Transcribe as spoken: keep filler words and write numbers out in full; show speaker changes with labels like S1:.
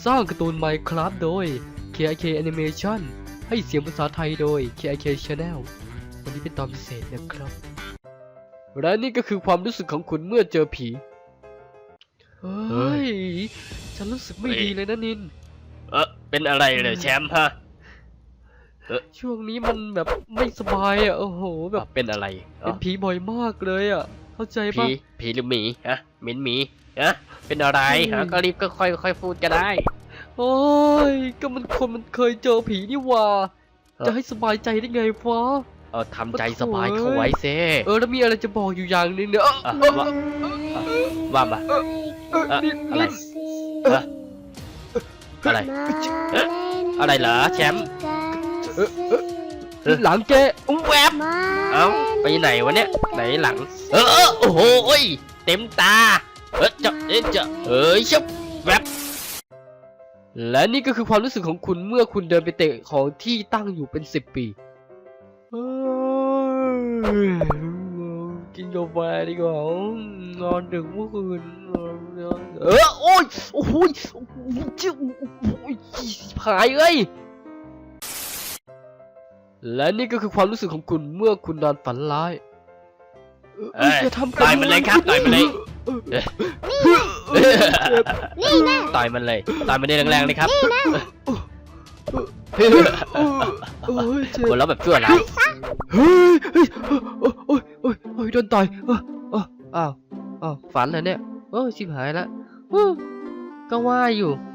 S1: สร้างการ์ตูน Minecraft โดย เค ไอ เค Animation ให้เสียงภาษาไทยโดย เค ไอ เค Channel วันนี้เป็นตอนพิเศษนะครับและนี่ก็คือความรู้สึกของคุณเมื่อเจอผีเฮ้ยฉันรู้สึกไม่ดีเลยนะนิน
S2: เออเป็นอะไรเลยแชมป์ฮะเออ
S1: ช่วงนี้มันแบบไม่สบายอ่ะโอ้โหแบบ
S2: เป็นอะไร
S1: เป็นผีบ่อยมากเลยอ่ะเข้าใจปะ
S2: ผีผีหรือหมีฮะเหม็นหมีฮะเป็นอะไรฮะก็รีบก็ค่อยค่อยพูดก็ได้
S1: โอ้ยก็มันคนมันเคยเจอผีนี่ว่าจะให้สบายใจได้ไงฟะ
S2: เออทำใจสบายเข้าไว้เซ่
S1: เออแล้วมีอะไรจะบอกอยู่อย่างนึงเนี่ย
S2: ว่ามาอะไรอะไรอะไรเหรอแชมป์
S1: หลังแก
S2: แวบเอ้าไปไหนวะเนี่ยไหนหลังเออโอ้โหเต็มตาเออจะเออจะเอ้ยชับแวบ
S1: และนี่ก็คือความรู้สึกของคุณเมื่อคุณเดินไปเตะของที่ตั้งอยู่เป็นสิบปีกินกาแฟดีกว่านอนดึกเมื่อคืนเออโอ้ยโอ้โหจิ้วหายเอ้ยและนี่ก็คือความรู้สึกของคุณเมื่อคุณนอนฝันร้าย
S2: จะทำต่อยมันเลยครับต่อยมันเลยนี่นะต่อยมันเลยต่อยมันได้แรงๆเลยครับหัวเราะแบบชั่วร้าย
S1: เฮ้ยเฮ้ยโอ้ยโอ้ยโอ้ยโดนต่อยอ้าวอ้าวฝันเหรอเนี่ยโอ้ชิบหายละก็ว่าอยู่